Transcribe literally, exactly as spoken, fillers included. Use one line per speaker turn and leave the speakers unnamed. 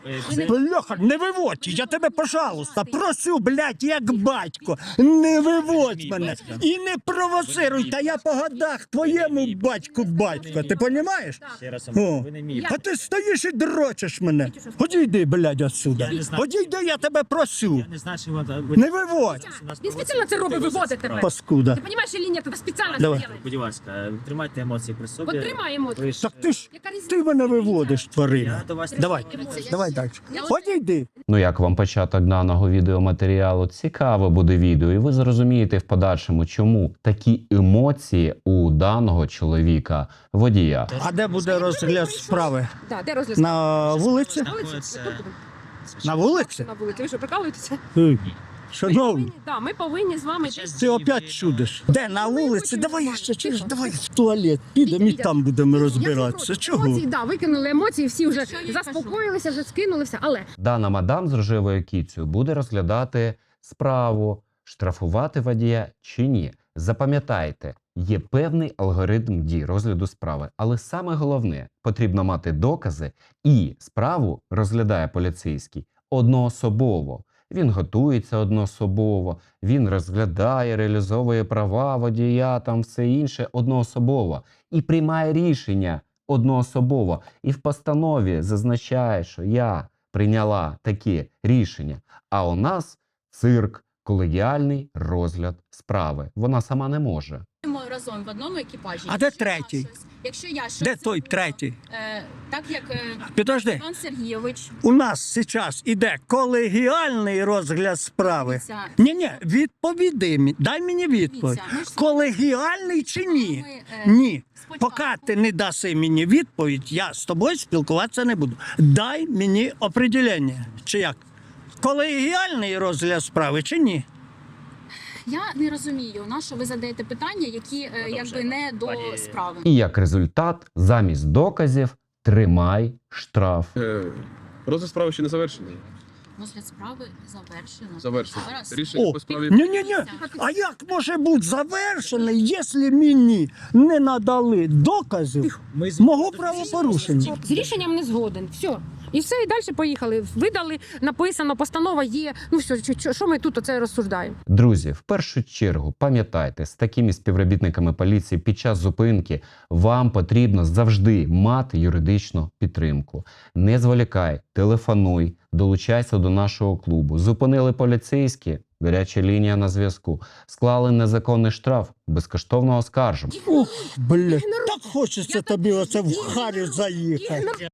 Бляха, не виводь, я тебе, пожалуйста, просю, блядь, як батько, не виводь мене і не провоцируй, та я по годах твоєму батьку батько, ти понімаєш?
Ще раз,
О.
ви не мій.
А ти стоїш і дрочиш мене. Одійди, блядь, отсюда. Одійди, я тебе просю.
Я не знаю, що ви...
Не виводь,
Він спеціально це робить, виводить тебе.
паскуда.
Ти розумієш, чи ні? Тебе спеціально це
Давай.
робить.
Будь ласка, тримайте емоції при собі.
От тримаємо.
Ви ж-
Так ти ж,
Яка різниця?
ти мене виводиш, тварина.
Я до вас...
Давай, давай далі. Одійди.
Ну як вам початок даного відеоматеріалу? Цікаве буде відео, і ви зрозумієте в подальшому, чому такі емоції у даного чоловіка, водія.
А де буде розгляд справи?
Да, де розгляд?
На вулиці?
На вулиці?
Це-
Тут будемо.
На вулиці?
На вулиці. Ви що, прикалуєтеся?
Ей, Шановні,
Да, ми повинні з вами...
ти опять чудиш. Де, на вулиці? Давай я ще через, давай в туалет. Підемо і там будемо розбиратися. Чого?
Емоції, да, викинули емоції, всі вже заспокоїлися, вже скинулися, але...
Дана мадам з рожевою кіцею буде розглядати справу, штрафувати водія чи ні. Запам'ятайте, є певний алгоритм дій розгляду справи, але саме головне – потрібно мати докази, і справу розглядає поліцейський одноособово. Він готується одноособово, він розглядає, реалізовує права водія, там все інше одноособово. І приймає рішення одноособово. І в постанові зазначає, що я прийняла такі рішення. А у нас цирк, колегіальний розгляд справи. Вона сама не може.
Ми разом в одному екіпажі.
А де
Якщо я
третій?
щось- Якщо я щось
Де той
зробила,
третій?
Е, так як е,
Підожди.
Іван Сергійович,
У нас зараз іде колегіальний розгляд справи.
дивіться,
Ні-ні, відповіди мені, дай мені відповідь.
дивіться, ми ж з
Колегіальний чи ні?
вами, е,
Ні.
спочатку-
Поки ти не даси мені відповідь, я з тобою спілкуватися не буду. Дай мені определення. Чи як? Колегіальний розгляд справи чи ні?
Я не розумію, на що ви задаєте питання, які е, якби не до
Пані-
справи.
І як результат, замість доказів тримай штраф.
Е, Розгляд справи ще не завершений.
Розгляд справи завершено.
Завершений.
Зараз.
Рішення
О,
по справі.
ні-ні-ні. А як може бути завершений, якщо мені не надали доказів
Ми з-
мого правопорушення?
З рішенням не згоден. Все. І все, і далі поїхали. Видали, написано, постанова є. Ну все, що- що- що ми тут оце розсуждаємо?
Друзі, в першу чергу пам'ятайте, з такими співробітниками поліції під час зупинки вам потрібно завжди мати юридичну підтримку. Не зволікай, телефонуй, долучайся до нашого клубу. Зупинили поліцейські, гаряча лінія на зв'язку. Склали незаконний штраф, безкоштовно оскаржимо.
Ух, блядь, так хочеться тобі оце в харю заїхати.